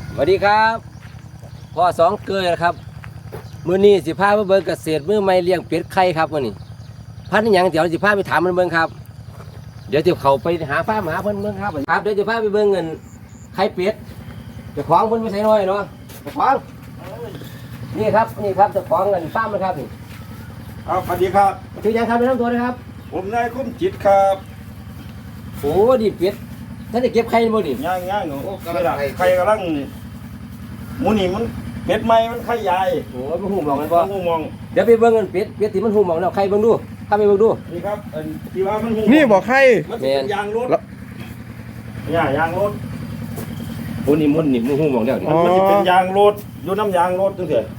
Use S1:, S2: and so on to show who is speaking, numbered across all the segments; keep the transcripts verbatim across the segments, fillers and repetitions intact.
S1: สวัสดีครับพ่อสองเกลือครับมื้อนี้สิพามาเบิ่งเกษตรมือใหม่เลี้ยงเป็ดไข่ครับมื้อนี้พันธุ์หยังเดี๋ยวสิพาไปถามมันเบิ่งครับเดี๋ยวจะเข้าไปหาฟ้าหาเพิ่นเบิ่งครับครับเดี๋ยวจะพาไปเบิ่งเงินไข่เป็ดเจ้าของเพิ่นไม่ใช่น้อยเนาะเจ้าของนี่ครับนี่ครับเจ้าของเงินฟาร์มนะครับนี่
S2: ครับสวัสดีครับ
S1: ชื่อหยังครับแนะนำตัวนะครับ
S2: ผมนายคุ้มจิตครับ
S1: โอ้ดิเป็ดท่านได้เก็บไข่บ่ดิ
S2: ย่างย่างหนูนี่ล่ะใครกำลังหมูนี่มันเป็ดใหม่มันไข่ใหญ่
S1: โอ้มันหูมองมันบ่
S2: หูมอง
S1: เดี๋ยวไปเบิ่งเงินเป็ดเป็ดที่มันหูมองแล้วไข่เบิ่งดูถ้าไปเบิ่งดู
S2: นี่ครับอันที่ว่ามันหู
S3: นี่บอกให้
S2: มันเป็นยางรถเนี่ยยางรถ
S1: โอ้นี่มันนี่มันหูมองแล้วนี่
S3: อ๋อ
S2: มันจะเป็นยางรถอยู่น้ำยางรถจังเถอะ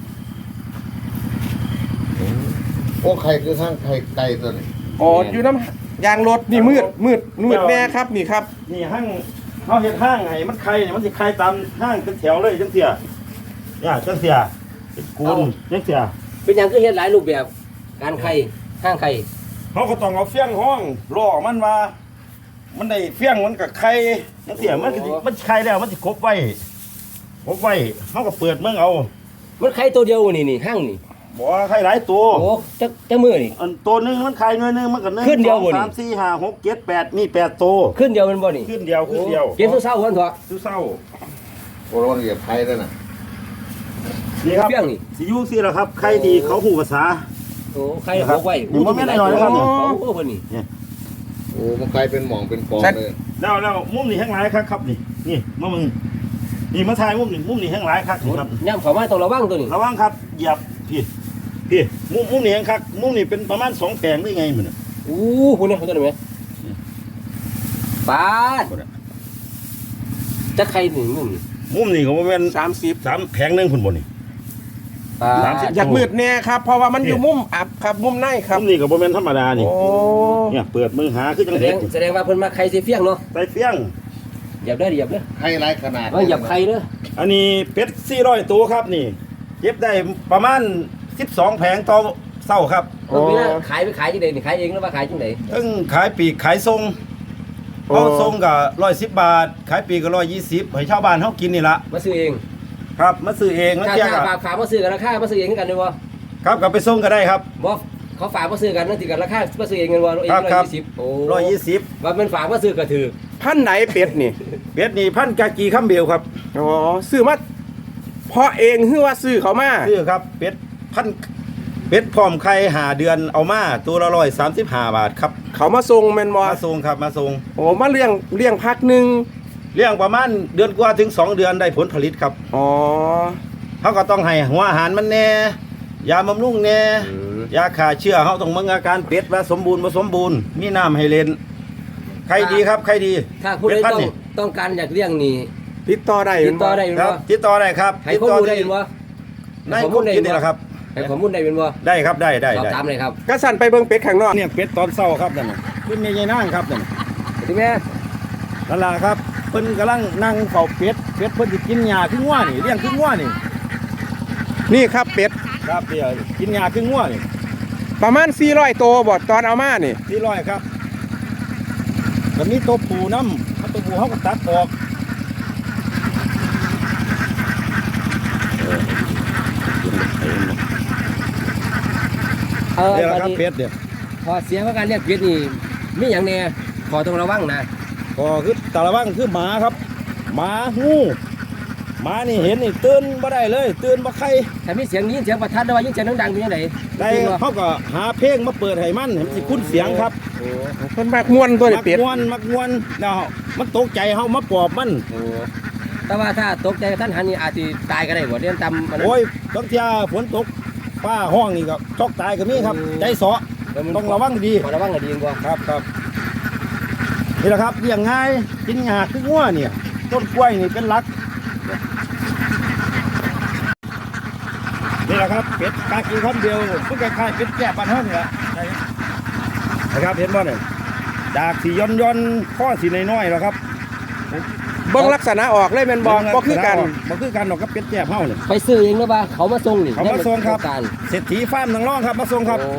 S4: โอ้ไข่คือทั้งไข่ไก่ตัวนี้
S3: อ๋ออยู่น้ำยางรถนี่มืดมืดมืดแน่ครับนี่ครับ
S2: นี่ห้างเขาเห็ดห้างไงมันไข่เนี่ยมันจะไข่ตามห้างเป็นแถวเลยจังเสียเนี่ยจังเสียเป็นกูนจังเสีย
S1: เป็นอย่างคือเฮ็ดหลายรูปแบบการไข่ข้างไข่
S2: เขาก็ต้องเอาเฟี้ยงห้องล่อมันว่ามันได้เฟี้ยงมันกับไข่จังเสียมันก็สิมันไข่แล้วมันจะครบไว้ครบไว้เขาก็เปิดเมืองเอา
S1: มันไข่ตัวเดียวนี่นี่ห้างนี่
S2: บอกว่าไข่หลายตัว
S1: โอ้จักจักมือนี่
S2: อันตัวหนึงมันไข่หน่วยหนึงมันก็หนึ่ง
S1: ขึ้นเดียว
S2: สอง
S1: บ่นี่
S2: สามสี่ห้าหกเจ็ดแปดมีแปดตัว
S1: ขึ้นเดียวมันบ่นี่
S2: ขึ้นเดียวขึ้นเดียว
S1: เก็บตัวเศร้าวันเถอะ
S2: ซื้อเศร้า
S4: โอ้โหเหยียบไข่ด้วยนะ
S2: นี่ครับ
S1: เฟี้ยงนี่
S2: สิอยูสิละครับไข่ดีเขาหูภาษา
S1: โอ้ไข่
S2: ครับ
S1: เอาไว้
S2: นี่มันไม่ได้น้อยนะครับ
S1: โอ้โหเพิ่นนี่
S4: โอ้มันกลายเป็นหม่องเป็นกองเลย
S2: แล้วแล้วมุมนี่แห้งหลายครับครับนี่นี่มามึงนี่มาถ่ายมุมนี่มุมนี่แห้งหลายครับนี่ครับ
S1: ย่ำเข้ามาต้องระวังตัวนี้
S2: ระวังครับเหยียบพี่พี่มุมมุมนี่แห้งครับมุมนี่เป็นประมาณสองแปลงได้ไงมันน่ะ
S1: อู้พุ่นนี่ตัวนี้ไหมปาดจักไข่หนึ่งมุมนี่
S2: มุมนี่ก็ประมาณ
S3: สามสิบ
S2: สามแผงหนึงพุ่นบนนี่
S1: ปา
S2: สามสิบ
S1: ด
S3: อยากมืดแน่ครับ เพราะว่ามันอยู่มุมอับครับมุมในครับ
S2: มุมนี่ก็ประมาณธรรมดานี่
S3: โอ้
S2: เนี่ยเปิดมือหาคือจัง
S1: แสด
S2: เด็
S1: ง
S2: ก
S1: แสดงว่าเพิ่นมาไข่สิเฟี้ยงเนาะ
S2: ไปเฟี้ยง
S1: เหยียบได้อเหยียบเด้อ
S4: ไข่หลายขนาด
S1: ว่าเหยียบไข่เด้อ
S2: อันนี้เป็ดสี่ร้อยตัวครับนี่เก็บได้ประมาณสิบสองแผงต่อเศร้าครับ
S1: เพิ่นมีหน้าขายไปขายจังได๋นี่ขายเองหรือว่าขายจังได๋
S2: ทั้งขายปีกขายทรงเขาทรงกับร้อยสิบบาท ขายปีกก็ร้อยยี่สิบให้ชาวบ้านเขากินนี่ละ
S1: มาซื้อเอง
S2: ครับมาซื้อเองแล้ว
S1: ถ้า
S2: เที่ย
S1: ถ้า
S2: กับ
S1: ฝากฝากมาซื้อกันราคามาซื้อเองกันได้บ่
S2: ครับกลับไปส่งก็ได้ครับ
S1: บ่เขาฝากมาซื้อกันนั่นสิกันราคามาซื้อเองกันบ่เอง
S2: ครับครับ
S1: ร้อยยี่สิบโอ้
S2: ร้อยยี่สิบ
S1: ว่ามันฝากมาซื้อก็ถือ
S3: พันไหนเป็ดนี่
S2: เป็ดนี่พันกากีข้ามเบลครับ
S3: อ๋อซื้อมาเพราะเองหรือว่าซื้อเขามา
S2: ซื้อครับเป็ดพันเป็ดพร้อมไข่หาเดือนเอามาตัวละร้อยสามสิบห้าบาทครับ
S3: เขามาส่งแมนบอ
S2: มาส่งครับมาส่ง
S3: โอ้มาเลี้ยงเลี้ยงพักหนึ่ง
S2: เลี้ยงประมาณเดือนกว่าถึงสองเดือนได้ผลผลิตครับ
S3: อ๋อ
S2: เขาก็ต้องให้หัวอาหารมันแน่ยาบำรุงแน่ยาฆ่าเชื้อเขาต้องมึงอาการเป็ดว่าสมบูรณ์บ่สมบูรณ์มีน้ำให้เล่นใครดีครับใครดี
S1: ถ้าผู้ใด
S2: เป็ดพัน
S1: ต้อง
S2: นี่
S1: ต้องการอยากเลี้ยงนี่
S3: ติดต่อได้
S1: ติดต่อได้
S2: ครับติดต่อได้ครับ
S1: ให้ข้อมูลได้เป็นบ่
S2: ในข้อมูลนี่แหละครับ
S1: ให้ข้อมูลได้เป็นบ่
S2: ได้ครับได้ได้
S1: สอบ
S2: ได้
S1: ถามเลยครับ
S3: ก็สั่นไปเบิ่งเป็ดข้างนอก
S2: เนี่ยเป็ดตอนเช้าครับนั่นน่ะขึ้นในยายนางครับนั่นน่ะ
S1: ที่แม่
S2: นั่นล่ะครับเพิ่นกำลังนั่งเฝ้าเป็ดเป็ดเพิ่นสิกินหญ้าขึ้นงัวนี่เลี้ยงขึ้นงัวนี่
S3: นี่ครับเป็ด
S2: ครับเดี๋ยวกินหญ้าขึ้นงัวนี่
S3: ประมาณสี่ร้อยตัวบอดตอนเอามานี่
S2: ที่ร้อยครับก็มีตัวปูน้ำเอาตัวปูเขาก็ตัดออก
S1: เออ
S2: เดี๋ยว
S1: ตอน
S2: ครับ
S1: นี้
S2: เป็ดเดี๋ยว
S1: พอเสียว่าการเลี้ยงเป็ดนี่มีอย่างแน่ขอต้องระวังนะ
S2: ก็คือตาละว่างคือหมาครับหมางูหมานี่เห็นนี่ตื่นบ่ได้เลยตื่นบ่ใคร
S1: ถ้ามีเสียงยินเสียงประทัดหรือว่ายินเสียงดังๆเป็นยังไง
S2: ได้เขาก็หาเพลงมาเปิดให้มันให้มันสิคุ้นเสียงครับ
S1: โอ้
S3: เพิ่นมากม่วนตัว
S2: มั
S3: นี่
S2: ก
S3: เป็ด
S2: มวนมักมวนแล้วมันตกใจเฮามาปอบมัน
S1: โหแต่ว่าถ้าตกใจท่านหันนี่อาจจะตายก็ได้บ่เรียนตำมันนั้น
S2: โอ้ยบางทีฝนตกฟ้าห้องนี่ก็ช็อกตายก็มีครับ ใจเสาะ
S1: แล้วมัน
S2: ต้องระวังดี
S1: ขอระวังให้ดีกว่า
S2: ครับครับนี่แหละครับเลี้ยงง่ายกินหญ้าคืองัวเนี่ยต้นกล้วยนี่เป็นหลักนี่แหละครับเป็ดกากีคำเดียวมันคล้ายๆเป็ดแก่บ้านเฮานี่แหละนะครับเห็นบ่เนี่ยดากสีย้อนย้อนๆข้อสีน้อยๆแล้วครับ
S3: เบิ่งลักษณะออกเลยแมนบอบ่คือกัน
S2: บ่คือกันดอกกับเป็ดแก่เฮาเนี่ย
S1: ไปซื้อเองหรือว่าเขามาส่งนี่
S2: เขามาส่งครับ
S1: การ
S2: เศรษฐีฟาร์มนางร่องครับมาส่งครับ
S1: โอ้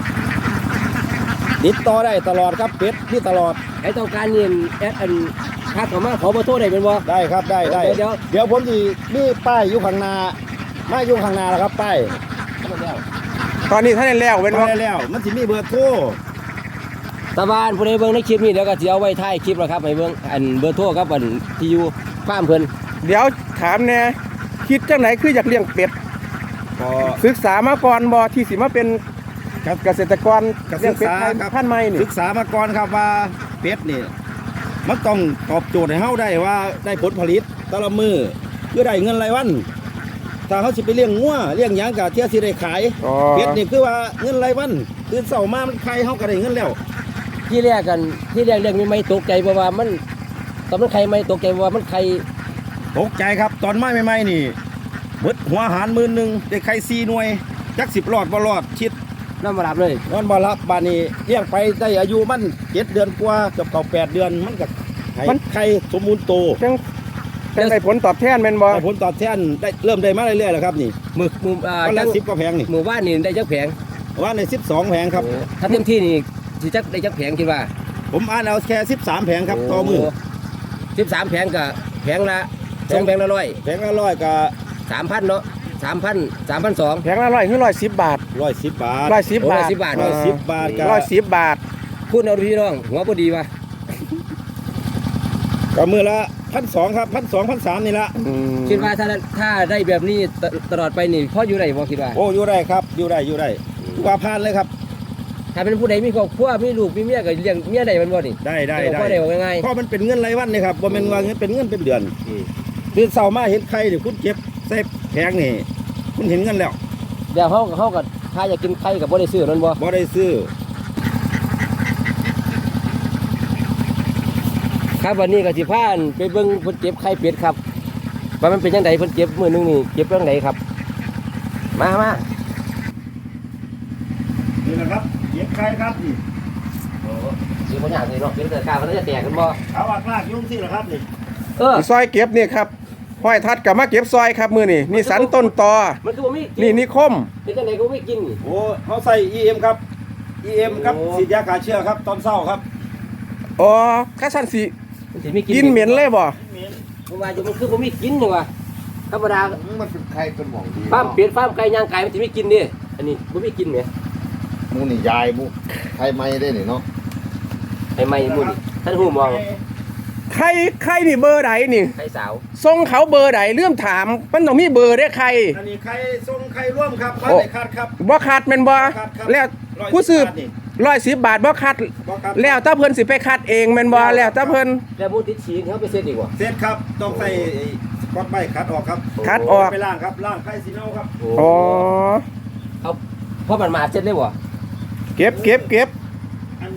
S2: ติดต่อได้ตลอดครับเป็ดที่ตลอด
S1: ให้ต้องการเงินแอดอันททักเข้ามาขอเบอร์โทรได้เป็นบ่
S2: ได้ครับได้ได้
S1: เดี๋ยว
S2: เดี๋ยวผมสิมีป้ายอยู่ข้างหน้ามาอยู่ข้างหน้าแล้วครับป้าย
S3: ตอนนี้ท่านได้แล้วเป็น
S2: มา
S3: ว่า
S2: ได้แล้ว มันสิมีเบอร์โทร
S1: ตาบ้านผู้ใดเบิ่งในคลิปนี้เดี๋ยวก็สิเอาไว้ท้ายคลิปแล้วครับให้เบิ่งอันเบอร์โทรครับอันที่อยู่ฟาร์มเพิ่น
S3: เดี๋ยวถามแน่คิดจังไหนคืออยากเลี้ยงเป็ด
S2: ก็
S3: ศึกษามาก่อนบ่ที่สิมาเป็นเกษตรกร
S2: ก็
S3: เลี้
S2: ศึ
S3: ยง
S2: ก
S3: เป็ด
S2: ษา
S3: ไทย
S2: ครับ
S3: พันธุ์ใหม่นี่
S2: ศึกษามาก่อนครับว่าเป็ดนี่มันต้องตอบโจทย์ให้เฮาได้ว่าได้ผลผลิตแต่ละมือเพื่อได้เงินรายวันถ้าเขาสิไปเลี้ยงงัวเลี้ยงหยังก็เที่ยสิได้ขาย
S3: อ๋อ
S2: เป็ดนี่คือว่าเงินรายวันตื่นเช้ามามันไข่เฮาก็ได้เงินแล้ว
S1: ที่แรกกันที่แรกเรื่องนี้ไม่ตกใจเพราะว่ามันตอนมันไข่ไม่ตกใจเพราะว่ามันไข่
S2: ตกใจครับตอนไม้ใหม่ๆนี่เบิดหัวอาหารหมื่นหนึงได้ไข่สี่หน่วยจักสิบรอดบ่รอดชิด
S1: น้ำมาหลับเลย
S2: นอนบ่รับบานนี้เลี้ยงไปได้อายุมันเจ็ดเดือนกว่าเกือบเก่าแปดเดือนมันก็ให้ไข่สมบูรณ์โต
S3: จังจังได้ผลตอบแทนแม่นบ่
S2: ได้ผลตอบแทนได้เริ่มได้มาเรื่อยๆแล้วครับนี่
S1: มือมืออ่า
S2: วัน
S1: จั
S2: ละ
S1: ง
S2: สิบกว่าแผงนี่
S1: หมู่บ้านนี่ได้จักแผง
S2: วันในสิบสองแผงครับ
S1: โอ้ถ้าเต็มที่นี่สิจักได้จักแผงคิดว่า
S2: ผมอ่านเอาแค่สิบสามแผงครับต่อมือ
S1: สิบสามแผงกับแผงละสองแผงละร้อย
S2: แผงละร้อยกับ
S1: สามพันเนาะสามพันสามพันสอง
S3: แพงละร้อยคือร้อยสิบบาท
S2: ร้อยสิบบาท
S3: ร้อยสิบบาท
S1: ร้อยสิบบาท
S2: ร้อยสิบบาทกับ
S3: ร้อยสิบบาท
S1: พูดเอาพี่น้องหัวพอดีว่ะ
S2: กับมือละพันสองครับพันสองพันสามนี่ละ
S3: อืม
S1: คิดว่าถ้าถ้าได้แบบนี้ตตลอดไปนี่พ่ออยู่ไหนบ่คิดว่า
S2: โอ้อยู่ได้ครับอยู่ได้อยู่ได้ว่าพานเลยครับ
S1: ถ้าเป็นผู้ใดมีครอบครัวมีลูกมีเมียก็เลี้ยงเมียได้มันบ่นี่
S2: ได้ได้
S1: พ่อ
S2: ได้
S1: ได้บอกง่าย
S2: เพราะมันเป็นเงินรายวันนี่ครับบ่แม่นว่าเงินเป็นเงินเป็นเดือน
S1: ๆอืม
S2: ตื่นเช้ามาเห็นไข่นี่คุณเก็บใส่แผงนี่คุณเห็นเงินแล้ว
S1: เดี๋ยวเขาเขาก็ถ้าอยากกินไข่กับบ่ได้ซื้อนั่นบ่
S2: บ่ได้ซื้อ
S1: ครับวันนี้ก็สิพาอันไปเบิ่งเพิ่นเก็บไข่เป็ดครับว่ามันเป็นจังไดเพิ่นเก็บมื้อนึงนี่เก็บจังไดครับ มามา
S2: นี่แหละครับเก็บไข่ครับนี่
S1: โอ้สิบ่ยากเลยเนาะเป็นแต่กามันจะแตกกันบ่
S2: เอาอากลากยุ่งสิล่ะครับนี่
S1: เออ
S3: ซอยเก็บนี่ครับห้อยทัดกับมาเก็บซอยครับมือนี่นี่สันต้นตอ
S1: มันคือบ่มี
S3: นี่นิคม
S1: เป็นจังไดก็บ่มีกินนี่
S2: โอ้เขาใส่ อี เอ็ม ครับ อี เอ็ม ครับ
S1: โอ้
S2: ฉีดยาฆ่าเชื้อครับตอนเช้าครับ
S3: อ๋อข้าสันสิ
S1: มันสิมีกิน
S3: กินเหม็นเลยบ่
S1: ผมว่าอยู่มันคือบ่มีกินจังว่าธรรมดา
S4: มันเป็นไข่เป็นหมองดี
S1: ฟาร์มเป็ดฟาร์มไก่ย่างไก่มันสิมีกินนี่อันนี้บ่มีกินแหม
S4: หมูนี่ยายหมูไข่ไม่ได้นี่เนาะ
S1: ให้ใหม่หมู่นี่ท่านฮู้มอง
S3: ใครใครนี่เบอร์ไหนนี่
S1: ไข่สาว
S3: ส่งเขาเบอร์ไหนเรื่องถามมันต้องมีเบอร์ได้ใคร
S2: อันนี้ไข่ทรงไข่ร่วมครับบ้าน
S3: โอ้
S2: ไหนคาดครับ
S3: บ่คัดแม่นบ่
S2: คัดครับ
S3: แล้ว
S2: ร้อยสิบบาท
S3: ผู้สืบ
S2: นี่
S3: ร้อยสิบบาทบ่คัด
S2: บ่ครับ
S3: แล้วถ้าเพิ่นสิไปคัดเองแม่นบ่แล้วถ้าเพิ่น
S1: แล้วหมูติดฉีนเขาไปเซ็ตอีกว่า
S2: เสร็จครับต้องใส่ไอ้ก๊อตใบคัดออกครับ
S3: คัดออก
S2: ไปล่างครับล่างไข่สีเนาครับ
S3: อ๋อ
S1: เอาเพราะมันมาเซ็ตเลยบ่
S3: เก็บเก็บเก็บ
S2: อัน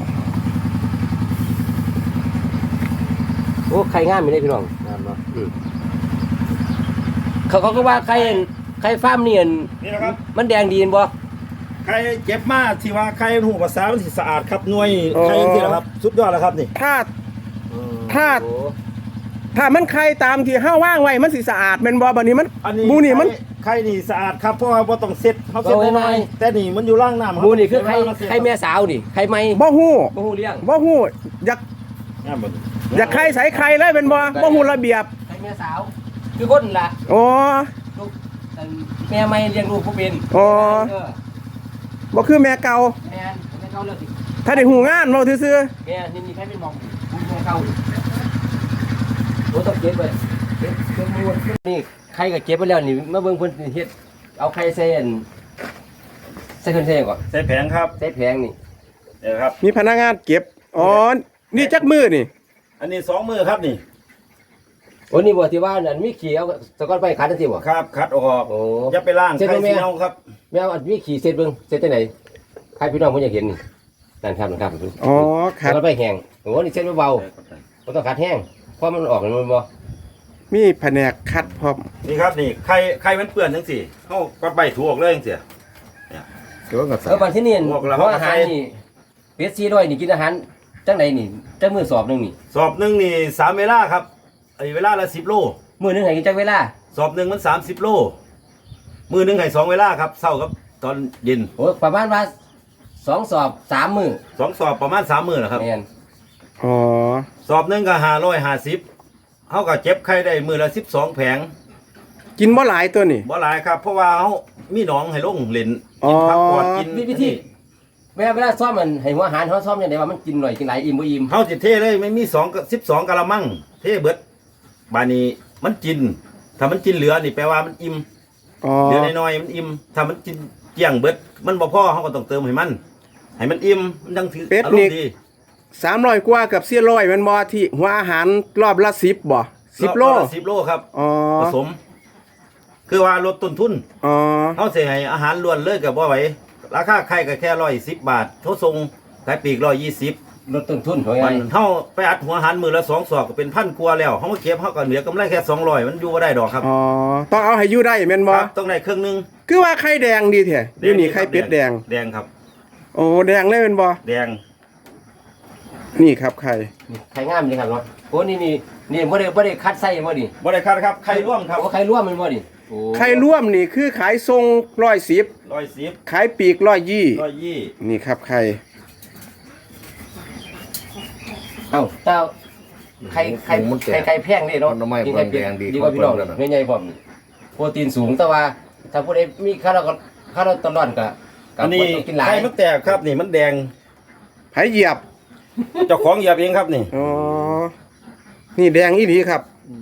S1: โอ้ไข่งามอยู่เลยพี่น้องงามเนาะอืมเขาเขาก็ว่าไข่ไข่ฟาร์มนี่อัน
S2: นี่นะครับ
S1: มันแดงดีนบ่
S2: ไข่เจ็บมากที่ว่าไข่หูภาษามันสิสะอาดครับหน่วยไข่ที่ละครับสุดยอดแล้วครับนี่
S3: ถ้า ถ้า
S1: โอ้
S3: ถ้ามันใครตามที่เฮาว่างไว้มันสิสะอาดแม่นบ่บัดนี้มัน
S2: อันนี้
S3: หมูนี่มัน
S2: ไข่ไข่นี่สะอาดครับเพราะว่าบ่ต้องเซ็ตเขาเซ็ตได้น้อยแต่นี่มันอยู่ล่างน้ำรับ
S1: หมูนี่คือไข่
S2: เวลาเราเซ็ต
S1: ไข่แม่สาวนี่ไข่ไหม้
S3: บ่ฮู้
S1: บ่ฮู้เลี้ยง
S3: บ่ฮู้อยาก
S2: งามบ่
S3: อยากใครใส่ใครเลยเป็นบ่บ่ฮู้ระเบียบ
S1: ไข่แม่สาว คือคนล่ะ
S3: อ๋อ
S1: ลูกอันแม่ไม่เลี้ยงลูกบ่เป็น
S3: อ๋อ
S1: เออ
S3: บ่คือแม่เก่า
S1: แม่นแม่เก่าเลิกสิ
S3: ถ้าได้หูงานเว้าซื่อ
S1: แม่นี่นี่ใครเป็นหมองแม่เก่าดิโอ้ต้องเก็บไว้เก็บเก็บหมูนี่ไข่ก็เก็บไปแล้วนี่มาเบิ่งเพิ่นเฮ็ดเอาไข่ใส่อันใส่เครื่องใส่หยังก่อน
S2: ใส่แผงครับ
S1: ใส่แผงนี่
S2: เดี๋ยวครับ
S3: ๆมีพนักงานเก็บอ๋อนี่จักมือนี่
S2: อันนี้สองมือครับนี่
S1: โอ้นี่บ่ที่ว่าอันมีขี้เอาสกอนไปขัดจังซี่บ่
S2: ครับคัดออก
S1: โอ้
S2: อย่าไปล่าง
S1: เซ็ต
S2: ไข่
S1: บ่แม่
S2: สีเนาครับ
S1: แม่เอาอันมีขี้เสร็จเบิ่งเสร็จจังได๋ใครพี่น้องเพิ่นอยากเห็นนี่นั่นครับนั่นครับ
S3: อ๋อครับ
S1: สกอนไปแห้งโอ้นี่เสร็จเบาๆบ่ต้องขัดแห้งเพราะมันออกแล้วมันบ่
S3: มีแผนกคัดพร้อม
S2: นี่ครับนี่ไข่ไข่มันเปื้อนจังสี่เฮาก็ใบถูออกเลยจังซี่
S4: เกี่ยวกับ
S1: เออบัดที่นี่
S2: พวกเรา
S1: เพราะอาหารนี่เป็ดสี่ร้อยนี่กินอาหารจังไดนี่จังมื้อสอบหนึงนี่
S2: สอบหนึงนี่สามเวลาครับไอ้เวลาละสิบโล
S1: มื้อหนึงให้กินจักเวลา
S2: สอบหนึงมันสามสิบโลมือหนึงให้สองเวลาครับเช้ากับตอนเย็น
S1: โอ้ประมาณว่าสองสอบสามมื้อ
S2: สองสอบประมาณสามมื้อนะครับ
S1: แม่น
S3: อ๋อ
S2: สอบหนึงก็ห้าร้อยห้าสิบเฮาก็เจ็บไข้ได้มือละสิบสองแผง
S3: กินบ่หลายตัวนี่
S2: บ่หลายครับ เพราะว่าเฮามีหนองให้ลงเล่น
S3: อ๋อ
S2: กินผักปอดกิน
S1: วิธีเวลาเวลาซ้อมมันให้หัวอาหารเขาซ้อมยังไงว่ามันกินหน่อยกินหลายอิ่มบ่อิ่ม
S2: เฮาสิเทเลยไม่มี2กับสิบสองกะละมังเทเบิดบาดนี้มันกิน ถ้ามันกินเหลือนี่แปลว่ามันอิ่ม
S3: อ๋อ
S2: เหลือน้อยๆมันอิ่มถ้ามันกินเกลี้ยงเบิดมันบ่พอเฮาก็ต้องเติมให้มันให้มันอิ่มมันจังถืออารมณ์ดี
S3: สามร้อยกว่ากับสี่ร้อยแมันบ่ที่หัวอาหารรอบละสิบบ่สิบโล
S2: รอบละสิบโลครับ
S3: อ๋อ
S2: ผสม คือว่าลดต้นทุน
S3: อ๋อ
S2: เฮาสิให้อาหารล้วนเลยก็บ่ไหวราคาไข่ก็แค่หนึ่งร้อยสิบบาทโทรส่งขายปลีกหนึ่งร้อยยี่สิบ
S1: ลดต้นทุนเขาไง
S2: มันเฮาไปอัดหัวอาหารมื้อละสองศอกก็เป็นพันกว่าแล้วเฮามาเก็บเฮาก็เหลือกำไรแค่สองร้อยมันอยู่บ่ได้ดอกครับ
S3: อ๋อต้องเอาให้อยู่ได้แม่นบ่
S2: ครับต้องได้เครื่องหนึง
S3: คือว่าไข่แดงดีแท้อยู่นี่ไข่เป็ดแดง
S2: แดงครับ
S3: โอ้แดงเลยแม่นบ่
S2: แดง
S3: นี่ครับไข่
S1: ไข่งามเลยครับเนาะโอ้นี่นี่นี่บ่ได้บ่ได้คัดไส้บ่ดิ
S2: บ่ได้คัดครับไข่ร่วมครับ
S1: โอ้ไข่ร่วมมันบ่ดิโอ้
S3: ไข่ร่วมนี่คือขายทรงร้อยสิบ
S2: หนึ่งร้อยสิบ
S3: ขายปีกร้อยยี่
S2: หนึ่งร้อยยี่
S3: นี่ครับไข่
S1: เอ้าเต้าไข่ไข่ไข่ไก่แพงนี่เนาะ
S4: มันทำไม
S1: กินไข่เป็ด
S4: แพงดี
S1: ดีกว่าพี่น้อง
S4: ของเพิ่นนั่นน่ะ
S1: ไม่ใหญ่พร้อมโปรตีนสูงแต่ว่า ถ้าผู้ใดมีคาร์โบคาร์โบตลอดก็ก็
S2: อันนี้
S1: บ่ต้องกินหลาย
S2: ไข่มันแตกครับนี่มันแดง
S3: ไผเหยียบ
S2: เจ้าของเหยียบเองครับนี่
S3: อ๋อนี่แดงอีหลีครับ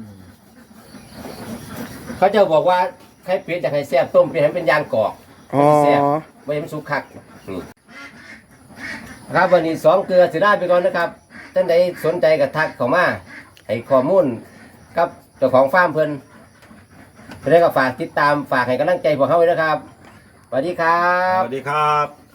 S1: เขาจะบอกว่าไข่เป็ดอยากให้แซ่บต้มเป็ดให้มันเป็นยางกรอก
S3: อ๋อ
S1: แซ่บไม่ให้มันสุกคักนี่ครับวันนี้สองเกลือสิได้ไปก่อนนะครับท่านใดสนใจก็ทักเข้ามาให้ข้อมูลกับเจ้าของฟาร์มเพิ่นเพิ่นก็ฝากติดตามฝากให้กำลังใจพวกเขาไว้นะครับสวัสดีครั
S2: ส
S1: บ
S2: วัสดีครับ